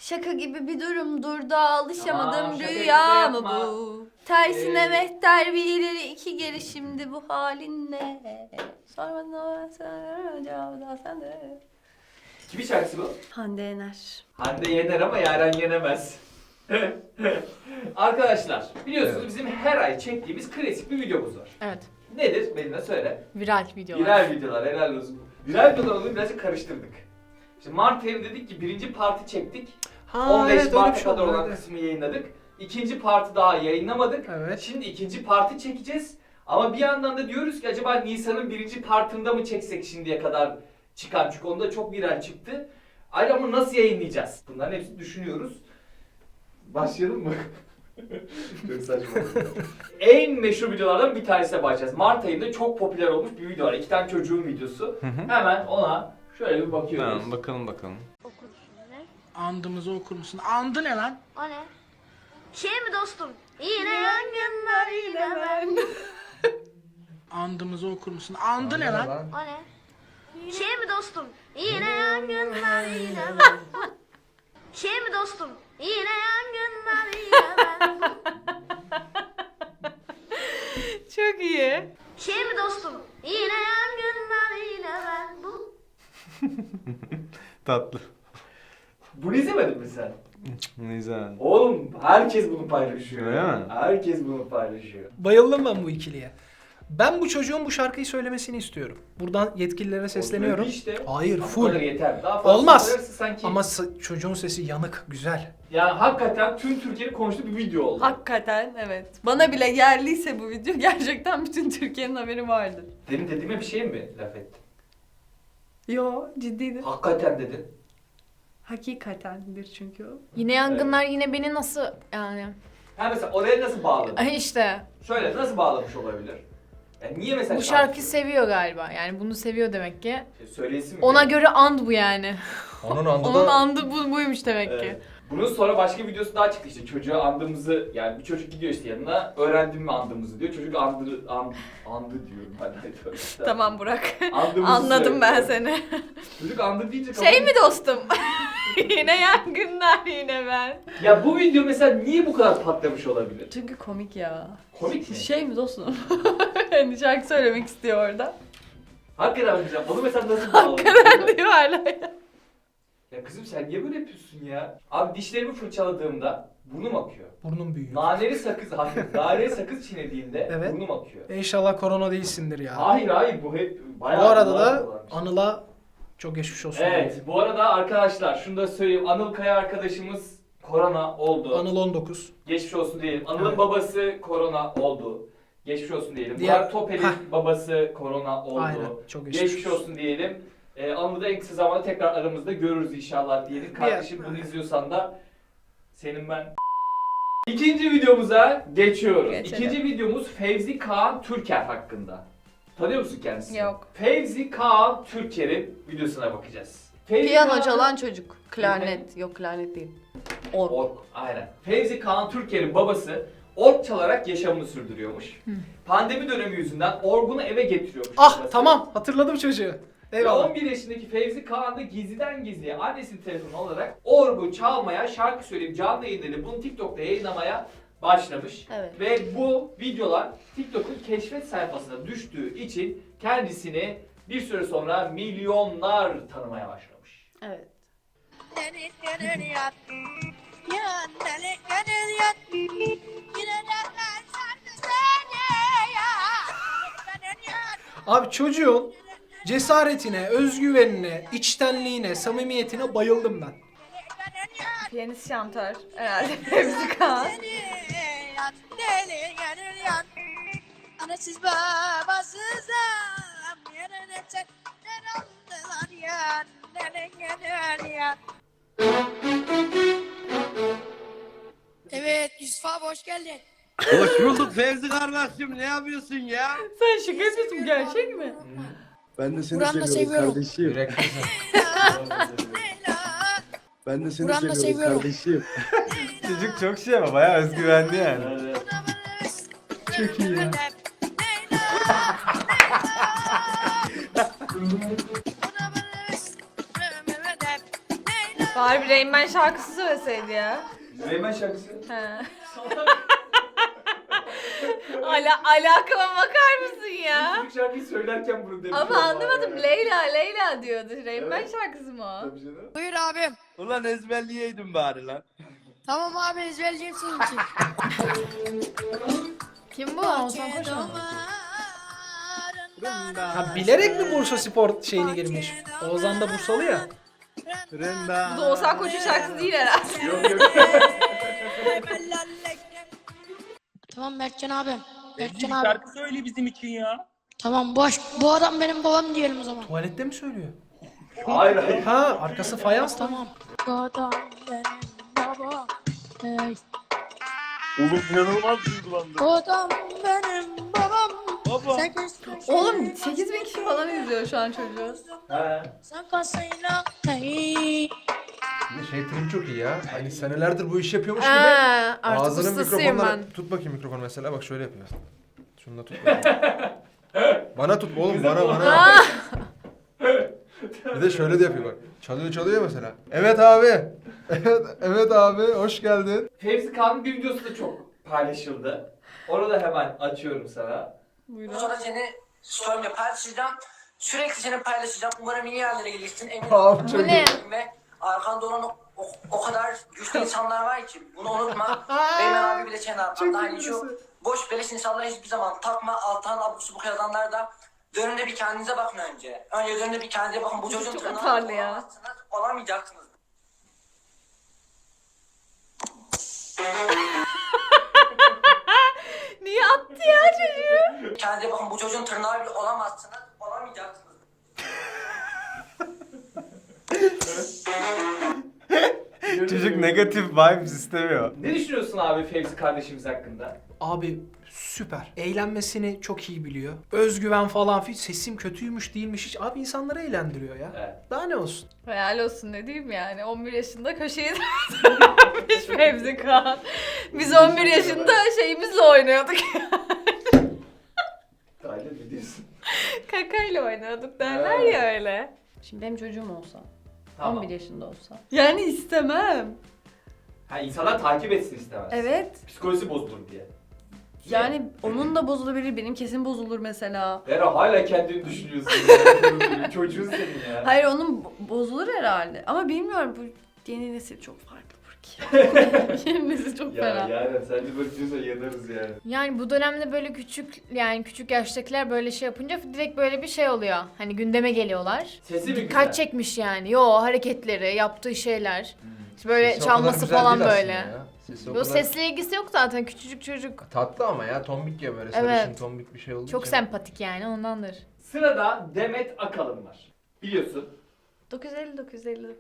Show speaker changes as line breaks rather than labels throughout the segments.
Şaka gibi bir durumdur da alışamadım
Tamam, şaka
rüya mı
yapma.
bu? Tersine mehter bir ileri iki geri şimdi bu halinle. Sormadan sen cevabı da sende.
Kimin şarkısı bu?
Hande Yener.
Hande yener ama Yaren yenemez. Arkadaşlar biliyorsunuz
Evet.
bizim her ay çektiğimiz klasik bir videomuz var.
Evet.
Nedir? Benimle söyle.
Viral videolar.
Viral videolar, helal olsun. Viral videolar olduğunu birazcık karıştırdık. İşte Mart ayı dedik ki birinci parti çektik. 15 Mart'a kadar olan kısmı yayınladık. İkinci parti daha yayınlamadık.
Evet.
Şimdi ikinci parti çekeceğiz. Ama bir yandan da diyoruz ki acaba Nisan'ın birinci partında mı çeksek şimdiye kadar çıkan? Çünkü onda çok viral çıktı. Ayrıca ama nasıl yayınlayacağız? Bunların hepsini düşünüyoruz. Başlayalım mı? Çok saçma. En meşhur videolardan bir tanesine başlayacağız. Mart ayında çok popüler olmuş bir video var. 2 tane çocuğun videosu. Hemen ona şöyle bir bakıyoruz.
Tamam bakalım.
Okursun ne?
Andımızı okur musun? Andı ne lan?
O ne? Şey mi dostum? Yine yangınlar yine ben.
Andımızı okur musun? Andı ne lan?
O ne? Şey mi dostum? Yine yangınlar yine ben. Şey mi dostum? Yine yangınlar yine ben.
Çok iyi.
Şey mi dostum? Yine yangınlar yine ben. Bu.
Tatlı.
Bunu izlemedin mi sen?
Güzel.
Oğlum herkes bunu paylaşıyor.
Öyle mi?
Herkes bunu paylaşıyor.
Bayıldım ben bu ikiliye. Ben bu çocuğun bu şarkıyı söylemesini istiyorum. Buradan yetkililere sesleniyorum.
İşte.
Hayır,
Bu
full.
kadar yeter. Daha fazla
Olmaz.
söylerse sanki...
Ama çocuğun sesi yanık, güzel.
Yani hakikaten tüm Türkiye'nin konuştuğu bir video oldu.
Hakikaten evet. Bana bile geldiyse bu video gerçekten bütün Türkiye'nin haberi vardır.
Benim dediğime bir şey mi laf ettin?
Yo ciddiydi.
Hakikaten dedin.
Hakikatendir çünkü o.
Yine yangınlar yine beni nasıl yani?
Ha mesela oraya nasıl bağladın?
Ay işte
Şöyle nasıl bağlamış olabilir? Yani niye mesela
bu şarkıyı seviyor galiba. Yani bunu seviyor demek ki.
Söylesin mi?
Ona göre and bu yani.
Onun andı
Onun
da...
andı buymuş demek ki.
Evet. Bunun sonra başka videosu daha çıktı işte çocuğa andığımızı yani bir çocuk gidiyor işte yanına öğrendim mi andığımızı diyor çocuk andı diyorum hadi.
Tamam Burak.
Andığımızı
Anladım ben
söylüyor.
seni.
Çocuk andı deyince
Şey mi dostum? Yine yangınlar yine ben.
Ya bu video mesela niye bu kadar patlamış olabilir?
Çünkü komik ya.
Komik mi?
Şey mi dostum? Hani şarkı söylemek istiyor orada.
Hakikaten hocam onu mesela nasıl bağladın?
Hakikaten diyor hala ya.
Ya kızım sen niye böyle yapıyorsun ya? Abi dişlerimi fırçaladığımda burnum akıyor.
Burnum büyüyor.
Naneli sakız, hayır, naneli sakız çiğnediğimde
Evet.
burnum akıyor.
İnşallah korona değilsindir ya.
Hayır bu hep
Bu
bayağı...
arada
bayağı
da
dolanmış.
Anıl'a çok geçmiş olsun.
Evet, bu arada arkadaşlar şunu da söyleyeyim. Anıl Kaya arkadaşımız korona oldu.
Anıl 19.
Geçmiş olsun diyelim. Anıl'ın
Evet.
babası korona oldu. Geçmiş olsun diyelim.
Diğer-
Burak Topel'in
Heh.
babası korona oldu.
Aynen. Çok geçmiş,
Geçmiş olsun diyelim. Anıl'ı da en kısa zamanda tekrar aramızda görürüz inşallah diyelim. Kardeşim bunu izliyorsan da senin ben... İkinci videomuza geçiyoruz.
Geçelim.
İkinci videomuz Fevzi Kağan Türker hakkında. Tanıyor musun kendisini?
Yok.
Fevzi Kağan Türker'in videosuna bakacağız. Fevzi
Piyano
Kağan-
çalan çocuk. Klarnet. Yok klarnet değil. Org.
Org, aynen. Fevzi Kağan Türker'in babası org çalarak yaşamını sürdürüyormuş. Pandemi dönemi yüzünden orgunu eve getiriyormuş.
Ah
babası.
tamam, hatırladım çocuğu.
Ve
Eyvallah.
11 yaşındaki Fevzi Kağan da gizliden gizliye annesinin telefonu alarak orgu çalmaya, şarkı söyleyip canlı yayınları bunu TikTok'ta yayınlamaya başlamış.
Evet.
Ve bu videolar TikTok'un keşfet sayfasına düştüğü için kendisini bir süre sonra milyonlar tanımaya başlamış.
Evet.
Abi çocuğun cesaretine, özgüvenine, içtenliğine, samimiyetine bayıldım ben.
Piyanist şantör. Herhalde Fevzi Kağan.
Anasız babasız yerine çekler aldılar ya. Evet Yusuf abi hoş geldin.
Hoş bulduk Fevzi kardeşim, ne yapıyorsun ya?
Sen şaka yapıyorsun gerçek mi?
Ben de seni
Buran'la
seviyorum
seviyorum.
kardeşim. Ben de seni
Buran'la
seviyorum
seviyorum.
kardeşim.
Çocuk çok şey ama bayağı özgüvenli yani.
Çok iyi ya.
Harbi Rain Man şarkısı söyleseydi ya.
Reymen şarkısı.
He. Alakama bakar mısın ya?
Çocuk şarkıyı söylerken bunu demiş.
Ama
olmalı
anlamadım.
yani.
Leyla diyordu. Rain Man
Evet.
şarkısı mı o?
Tabii canım.
Buyur abim.
Ulan ezberleyeydin bari lan.
Tamam abi ezberleyeceğim senin için.
Kim bu? Oğuzhan Koç mu?
Ha, bilerek mi Bursa Spor şeyini girmiş? Oğuzhan da Bursalı ya.
Renda.
Bu da Oğuzhan Koç'un şarkısı değil herhalde.
Yok yok.
Tamam Mertcan abim. Mertcan
Bir
abi.
şarkı söyle bizim için ya.
Tamam bu adam benim babam diyelim o zaman.
Tuvalette mi söylüyor?
Hayır hayır.
Ha, arkası fayans tamam.
Tamam. Bu adam benim babam. Hey.
Oğlum inanılmaz duygulandım.
Bu adam benim babam.
Baba.
Sen göster.
Oğlum 8000 kişi falan izliyor şu an çocuğu.
Ha.
Sen kasayla. Hey.
Şey trim çok iyi ya. Hani senelerdir bu işi yapıyormuş gibi.
Artık
Ağzının
ustasıyım
mikrofonları...
ben.
Tut bakayım mikrofonu mesela, bak şöyle yapıyor. Şunu da tut bakayım. Bana tut oğlum, bana. Bir de şöyle de yapıyor bak. Çalıyor mesela. Evet abi. Evet abi, hoş geldin.
Fevzi Kağan'ın bir videosu da çok paylaşıldı. Onu da hemen açıyorum sana.
Sonra seni story'imle paylaşacağım. Sürekli seni paylaşacağım. Umarım iyi yerlere gelirsin.
Abi çok
Bu ne?
Ve arkanda olan o kadar güçlü insanlar var ki bunu unutma. Beymen abi bile senin arkanda. Hani şu boş beleş insanlara hiçbir zaman takma. Alttan abuk subuk yazanlar da dönünde bir kendinize bakın önce. Önce dönünde bir kendinize bakın. Bu çocuğun
Çok
tırnağı
atarlı ya.
olamazsınız, olamayacaksınız.
Niye attı ya çocuğu?
Kendinize bakın. Bu çocuğun tırnağı bile olamazsınız, olamayacaksınız.
Çocuk negatif vibes istemiyor.
Ne düşünüyorsun abi Fevzi kardeşimiz hakkında?
Abi süper. Eğlenmesini çok iyi biliyor. Özgüven falan filan. Sesim kötüymüş değilmiş hiç. Abi insanları eğlendiriyor ya.
Evet.
Daha ne olsun?
Hayal olsun ne diyeyim yani. 11 yaşında köşeyi dönmüş Fevzi Kağan. Biz 11 yaşında şeyimizle oynuyorduk.
Dahil mi diyorsun?
Kakayla oynuyorduk derler ya öyle. Şimdi benim çocuğum olsa,
Tamam.
11 yaşında olsa. Yani istemem.
Ha, insanlar takip etsin istemez.
Evet.
Psikolojisi bozulur diye.
Yani onun da bozulabilir, benim kesin bozulur mesela.
Vera hala kendini düşünüyorsun. Ya. Çocuğun senin ya.
Hayır onun bozulur herhalde. Ama bilmiyorum bu yeni nesil çok farklı ki. Yeni nesil çok
Ya
fena.
yani sen de böyle diyorsan yanarız yani.
Yani bu dönemde böyle küçük yaştakiler böyle şey yapınca direkt böyle bir şey oluyor. Hani gündeme geliyorlar.
Sesi mi
Dikkat
güzel?
çekmiş yani. Yo, hareketleri, yaptığı şeyler. İşte böyle
Sesi o kadar
çalması
güzel
falan
değil
böyle.
aslında ya. Sesi o
Bu
kadar
sesle ilgisi yok zaten, küçücük çocuk.
tatlı ama ya, tombik ya böyle,
Evet.
sarışın tombik bir şey olduğu
Çok
için.
sempatik yani, ondandır.
Sırada Demet Akalın var. Biliyorsun.
950.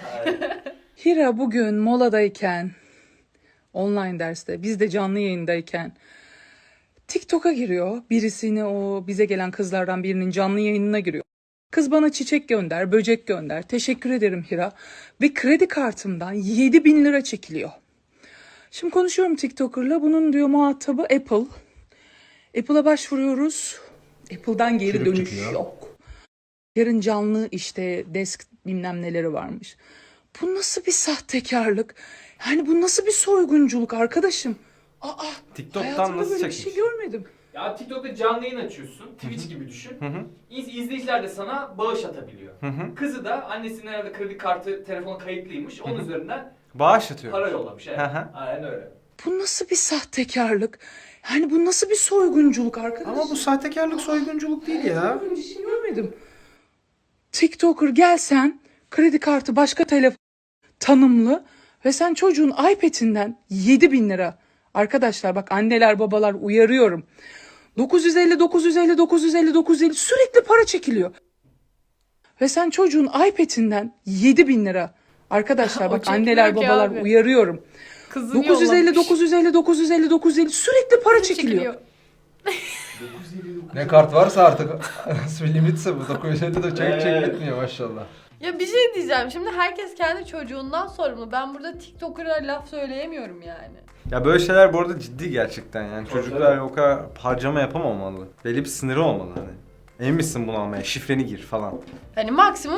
Hira bugün moladayken, online derste, biz de canlı yayındayken TikTok'a giriyor. Birisini, o bize gelen kızlardan birinin canlı yayınına giriyor. Kız bana çiçek gönder, böcek gönder. Teşekkür ederim Hira. Ve kredi kartımdan 7.000 lira çekiliyor. Şimdi konuşuyorum TikToker'la. Bunun diyor muhatabı Apple. Apple'a başvuruyoruz. Apple'dan geri
Çürük
dönüş
çıkıyor.
yok. Yarın canlı işte desk bilmem neleri varmış. Bu nasıl bir sahtekarlık? Yani bu nasıl bir soygunculuk arkadaşım?
TikTok'tan
Hayatımda
nasıl
böyle bir
çekmiş?
şey görmedim.
Ya TikTok'ta canlı yayın açıyorsun. Twitch gibi düşün. İzleyiciler de sana bağış atabiliyor. Kızı da annesinin herhalde kredi kartı telefonu kayıtlıymış. Onun üzerinden
Bağış atıyor.
para yollamış. Evet.
Hı hı.
Aynen öyle.
Bu nasıl bir sahtekarlık? Yani bu nasıl bir soygunculuk arkadaşım?
Ama bu sahtekarlık soygunculuk değil ya.
Böyle bir şey görmedim. TikToker gelsen kredi kartı başka telefon tanımlı ve sen çocuğun iPad'inden 7.000 lira. Arkadaşlar bak, anneler babalar uyarıyorum. 950 sürekli para çekiliyor. Ve sen çocuğun iPad'inden 7.000 lira. Arkadaşlar
O
bak,
çekmiyor
anneler
ki
babalar
abi.
uyarıyorum.
Kızını
950 sürekli para çekiliyor.
Ne kart varsa artık nasıl bir limitse bu 950 de çek
Evet.
bitmiyor maşallah.
Ya bir şey diyeceğim. Şimdi herkes kendi çocuğundan sorumlu. Ben burada TikToker'a laf söyleyemiyorum yani.
Ya böyle şeyler bu arada ciddi gerçekten yani.
Tabii,
Çocuklar
tabii.
o kadar harcama yapamamalı. Belli bir sınırı olmalı hani. Emin misin bunu almaya? Şifreni gir falan.
Hani maksimum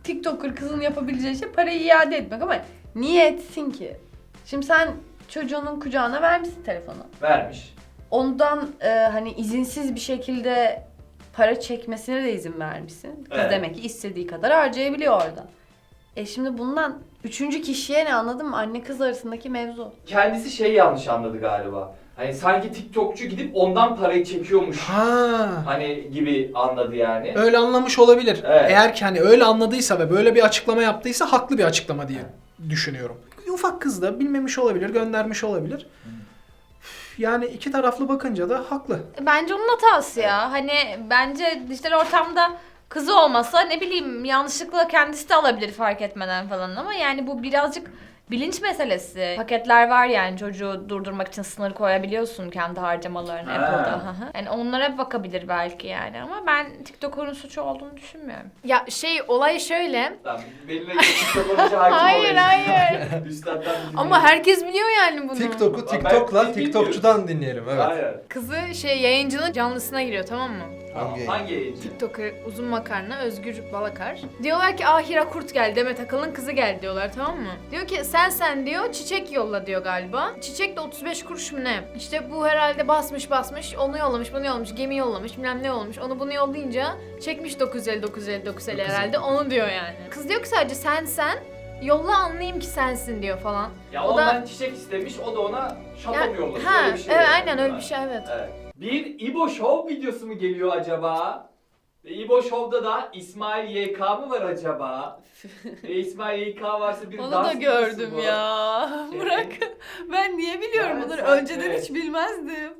TikToker kızın yapabileceği şey parayı iade etmek ama niye etsin ki? Şimdi sen çocuğunun kucağına vermişsin telefonu.
Vermiş.
Ondan hani izinsiz bir şekilde para çekmesine de izin vermişsin. Kız
Evet.
demek ki istediği kadar harcayabiliyor orada. Şimdi bundan üçüncü kişiye ne, anladın mı? Anne kız arasındaki mevzu.
Kendisi şey yanlış anladı galiba. Hani sanki TikTokçu gidip ondan parayı çekiyormuş.
Ha.
Hani gibi anladı yani.
Öyle anlamış olabilir.
Evet.
Eğer ki hani öyle anladıysa ve böyle bir açıklama yaptıysa haklı bir açıklama diye düşünüyorum. Ufak kız da bilmemiş olabilir, göndermiş olabilir. Yani iki taraflı bakınca da haklı.
Bence onun hatası ya. Hani bence dijital ortamda kızı olmasa ne bileyim yanlışlıkla kendisi de alabilir fark etmeden falan ama yani bu birazcık bilinç meselesi. Paketler var yani çocuğu durdurmak için sınır koyabiliyorsun kendi harcamalarını
Ha.
Apple'da. Hı hı. Yani onlara bakabilir belki yani ama ben TikTok'un suçu olduğunu düşünmüyorum. Ya olay şöyle.
Tamam, benimle TikTok olunca hakim
Hayır
olayım.
hayır.
Üstad'dan bir dinleyelim.
Ama herkes biliyor yani bunu.
TikTok'u
Ben
TikTok'la
biz
TikTokçudan dinleyelim evet.
Aynen.
Kızı yayıncının canlısına giriyor tamam mı?
Hangi?
Hangi yayıncı?
TikToker uzun makarna Özgür Balakar. Diyorlar ki Hira Kurt geldi, Demet Akalın kızı geldi diyorlar tamam mı? Diyor ki sen diyor çiçek yolla diyor galiba. Çiçek de 35 kuruş mu ne? İşte bu herhalde basmış onu yollamış bunu yollamış gemi yollamış bilmem ne olmuş. Onu bunu yollayınca çekmiş 950 herhalde onu diyor yani. Kız diyor ki sadece sen yolla anlayayım ki sensin diyor falan.
Ya
O da-
ondan çiçek istemiş, o da ona şato mu yollamış?
Ha,
Öyle bir şey
evet
yani.
aynen öyle bir şey evet.
Evet. Bir İbo Show videosu mu geliyor acaba? Ve İbo Show'da da İsmail YK mı var acaba? İsmail YK varsa bir
Onu
dans
da
videosu
gördüm
bu.
ya.
Şey-
Bırak. Ben niye biliyorum
Yani
bunları?
sen-
Önceden
evet.
hiç bilmezdim.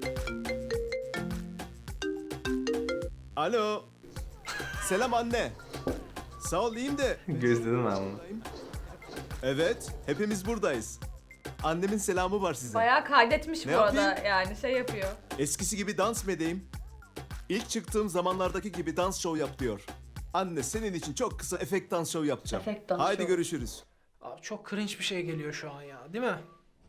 Alo. Selam anne. Sağ ol iyiyim de.
Gözledim ben bunu.
Evet hepimiz buradayız. Annemin selamı var size.
Bayağı kaydetmiş
Ne
bu arada
yapayım?
yani yapıyor.
Eskisi gibi dans mı edeyim? İlk çıktığım zamanlardaki gibi dans show yap diyor. Anne senin için çok kısa efekt dans show yapacağım.
Efekt dans
Haydi
show.
görüşürüz.
Abi çok cringe bir şey geliyor şu an ya, değil mi?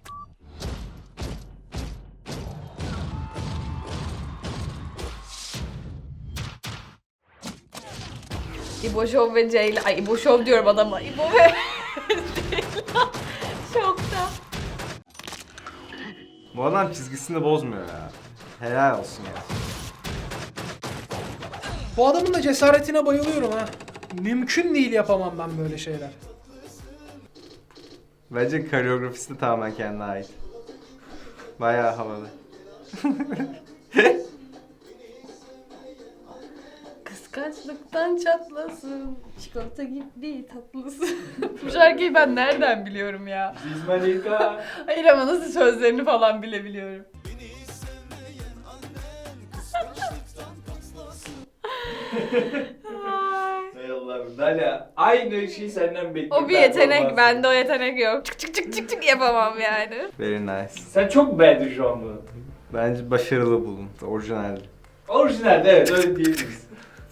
İbo Show ve Ceyla. Ay İbo Show diyorum adama. İbo ve Ceyla. Şokta.
Bu adam çizgisini bozmuyor ya. Helal olsun ya.
Bu adamın da cesaretine bayılıyorum ha. Mümkün değil yapamam ben böyle şeyler.
Bence koreografisi de tamamen kendine ait. Bayağı havalı.
Kıskançlıktan çatlasın. Çikolata gibi tatlısın. Bu şarkıyı ben nereden biliyorum ya?
İsmail YK.
Hayır ama nasıl sözlerini falan bile biliyorum.
Hay Allah'ım. Dalia aynı şeyi senden bekliyorum.
O bir yetenek, bende o yetenek yok. Çık çık çık çık çık yapamam yani.
Very nice.
Sen çok beğendin şu an bunu.
Bence başarılı buldum. Orijinaldi.
Orijinalde evet öyle diyebiliriz.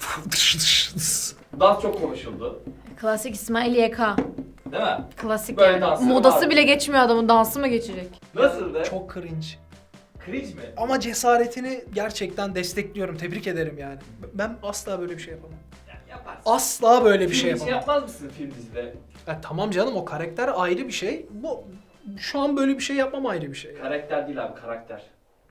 Dans çok konuşuldu.
Klasik İsmail YK.
Değil mi?
Klasik
Böyle
yani.
dansları
Modası
vardı.
bile geçmiyor adamın, dansı mı geçecek?
Nasıldı?
Çok cringe.
Cringe mi?
Ama cesaretini gerçekten destekliyorum. Tebrik ederim yani. Ben asla böyle bir şey yapamam.
Yani yaparsın.
Asla böyle bir
Film
şey
için
yapamam.
yapmaz mısın film dizide?
Ya tamam canım, o karakter ayrı bir şey. Bu şu an böyle bir şey yapmam ayrı bir şey.
Karakter değil abi, karakter.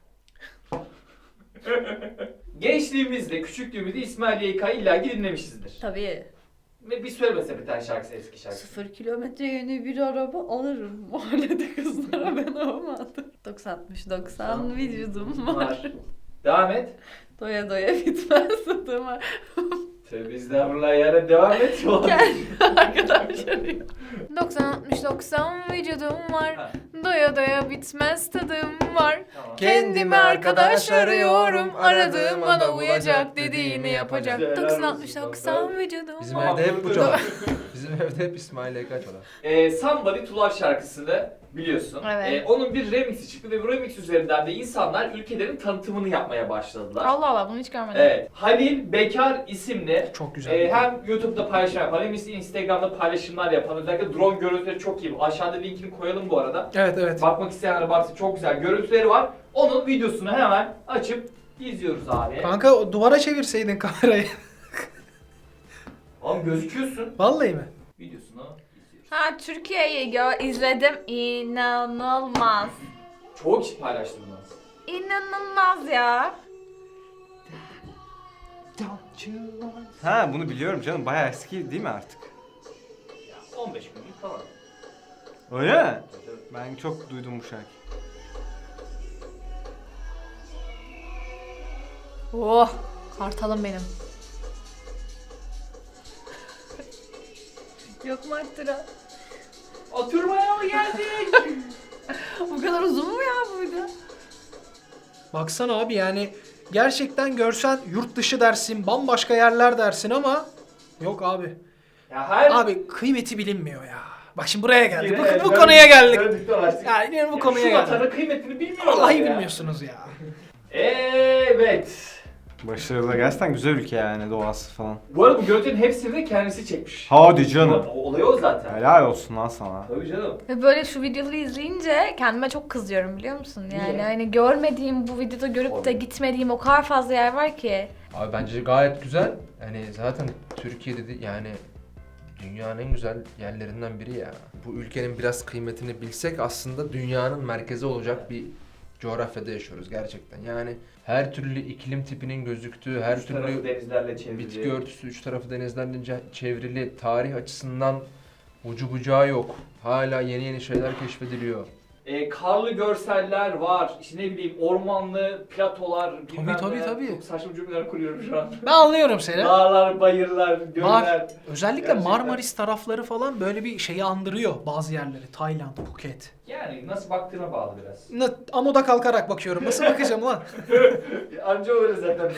Gençliğimizde, küçüklüğümüzde İsmail YK'yı illaki dinlemişizdir.
Tabii.
Ve bir söylemese bir tane şarkısı, eski şarkısı.
0 kilometre yeni bir araba alırım. Mahallede kızlara ben olmadım. 90-60-90 vücudum var.
Devam et.
Doya doya bitmez tadım var.
Tövbe estağfurullah yani devam et.
Kendi arkadaşlarım.
90-60-90 vücudum var.
Ha.
Doya doya bitmez tadım var.
Tamam.
Kendime arkadaş arıyorum. Aradığım bana uyacak, dediğini yapacak.
Güzel,
90-60-90 vücudum
Bizim
var.
evde hep bu çalar. Bizim evde hep İsmail YK çalar.
Somebody to Love şarkısını biliyorsun.
Evet.
Onun bir remixi çıktı ve bu remix üzerinden de insanlar ülkelerin tanıtımını yapmaya başladılar.
Allah Allah bunu hiç görmedim.
Evet. Halil Bekar isimli
Çok güzel.
hem YouTube'da paylaşım yapan hem Instagram'da paylaşımlar yapan, özellikle drone görüntüleri çok iyi. Aşağıda linkini koyalım bu arada.
Evet evet.
Bakmak isteyenlere baksın, çok güzel görüntüleri var. Onun videosunu hemen açıp izliyoruz abi.
Kanka o duvara çevirseydin kamerayı.
Oğlum gözüküyorsun.
Vallahi mi?
Videosunu izliyoruz.
Ha Türkiye'yi izledim. İnanılmaz.
Çoğu kişi paylaştı bunu.
İnanılmaz ya.
Ha bunu biliyorum canım. Bayağı eski değil mi artık?
15 günlük falan.
Öyle mi? Ben çok duydum bu şarkıyı.
Oh, kartalım benim.
Yok mu Artura?
Oturmaya mı geldik?
Bu kadar uzun mu ya bu video?
Baksana abi yani gerçekten görsen yurt dışı dersin, bambaşka yerler dersin ama yok abi.
Ya her...
Abi kıymeti bilinmiyor ya. Bak şimdi buraya geldik.
Yine
Bu konuya geldik.
döndük dolaştık.
Ya yine bu konuya
Şu
geldik.
vatanın kıymetini bilmiyorlar
Vallahi
ya.
bilmiyorsunuz ya.
Evet.
Başarılı, gerçekten güzel ülke yani, doğası falan.
Bu arada bu görüntünün hepsini de kendisi çekmiş.
Hadi canım.
Olay o zaten.
Helal olsun lan sana.
Tabii canım.
Ve böyle şu videoları izleyince kendime çok kızıyorum biliyor musun? Yani
Niye?
hani görmediğim bu videoda görüp de
Olabilir.
gitmediğim o kadar fazla yer var ki.
Abi bence gayet güzel. Hani zaten Türkiye'de de yani dünyanın en güzel yerlerinden biri ya. Bu ülkenin biraz kıymetini bilsek aslında dünyanın merkezi olacak bir coğrafyada yaşıyoruz gerçekten. Yani her türlü iklim tipinin gözüktüğü, her
Üç tarafı
türlü
denizlerle çevrili.
bitki örtüsü, üç tarafı denizlerle çevrili, tarih açısından ucu bucağı yok. Hala yeni yeni şeyler keşfediliyor.
Karlı görseller var. İşte ne bileyim ormanlı platolar. bilmem
Tabii,
neler.
tabii.
Çok saçma cümleler kuruyorum şu an.
Ben anlıyorum seni.
Dağlar, bayırlar, göller.
Var. Özellikle
Gerçekten.
Marmaris tarafları falan böyle bir şeyi andırıyor bazı yerleri. Tayland, Phuket.
Yani nasıl baktığına bağlı biraz.
Amuda kalkarak bakıyorum. Nasıl bakacağım lan?
Anca öyle zaten.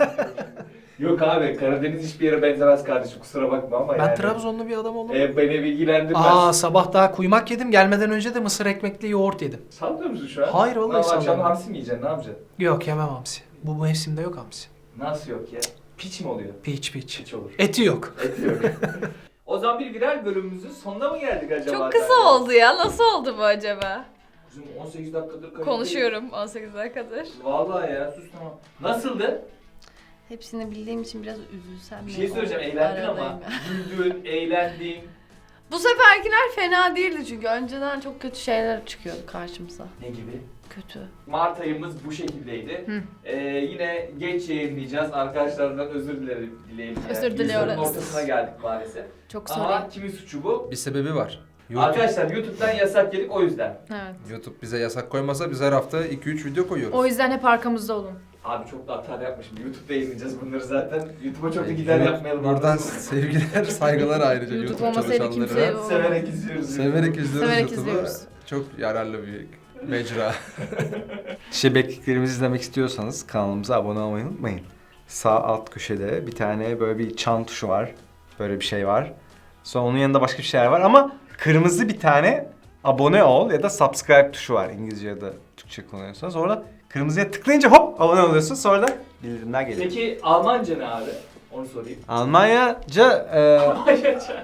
Yok abi Karadeniz hiçbir yere benzemez kardeşim kusura bakma ama
Ben
yani.
Trabzonlu bir adam oldum.
Beni ilgilendirmez.
Sabah daha kuymak yedim. Gelmeden önce de mısır ekmekli yoğurt yedim.
Sallıyor musun şu an?
Hayır, vallahi
Akşam
sallamıyorum.
hamsi mi yiyeceksin ne yapacaksın?
Yok yemem hamsi. Bu mevsimde yok hamsi.
Nasıl yok ya? Piç mi oluyor?
Piç.
Piç olur.
Eti yok.
Eti yok. O zaman bir viral bölümümüzün sonuna mı geldik acaba?
Çok kısa oldu ya. Nasıl oldu bu acaba?
Bizim 18 dakikadır kayıt.
Konuşuyorum 18 dakikadır.
Vallahi ya sus tamam. Nasıldı?
Hepsini bildiğim için biraz üzülsem.
Bir şey söyleyeceğim eğlendin ama. Güldün, eğlendin.
Bu seferkiler fena değildi çünkü önceden çok kötü şeyler çıkıyordu karşımıza.
Ne gibi?
Kötü.
Mart ayımız bu şekildeydi. Yine geç yayınlayacağız. Arkadaşlarımdan özür dilerim.
Özür diliyoruz.
Yüzyılın ortasına geldik maalesef.
Çok
Ama
sorry.
kimin suçu bu?
Bir sebebi var. YouTube,
Arkadaşlar YouTube'dan yasak yedik o yüzden.
Evet.
YouTube bize yasak koymasa biz her hafta 2-3 video koyuyoruz.
O yüzden hep arkamızda olun.
Abi çok da hata yapmışım. YouTube'da yayınlayacağız bunları zaten. YouTube'a çok da gider yapmayalım.
Buradan
anladın mı?
sevgiler, saygılar ayrıca
YouTube
YouTube
olmasaydı
çalışanlarına.
kimseye-
Severek izliyoruz.
Severek izliyoruz
Severek
YouTube'u.
izliyoruz.
Çok yararlı bir mecra.
Şebekliklerimizi izlemek istiyorsanız kanalımıza abone olmayı unutmayın. Sağ alt köşede bir tane böyle bir çan tuşu var. Böyle bir şey var. Sonra onun yanında başka bir şeyler var ama kırmızı bir tane abone ol ya da subscribe tuşu var İngilizce ya da Türkçe kullanıyorsanız. Orada kırmızıya tıklayınca hop abone oluyorsun, sonra da bildirimler geliyor.
Peki Almanca ne abi? Onu sorayım.
Almanyaca
Almanca.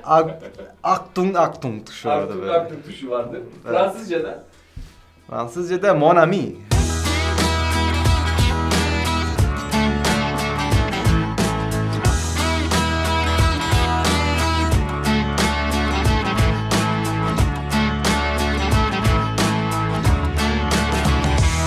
Achtung tuşu orada
Aktum
böyle.
aktum tuşu vardır.
Evet.
Fransızca'da.
Fransızca'da mon ami.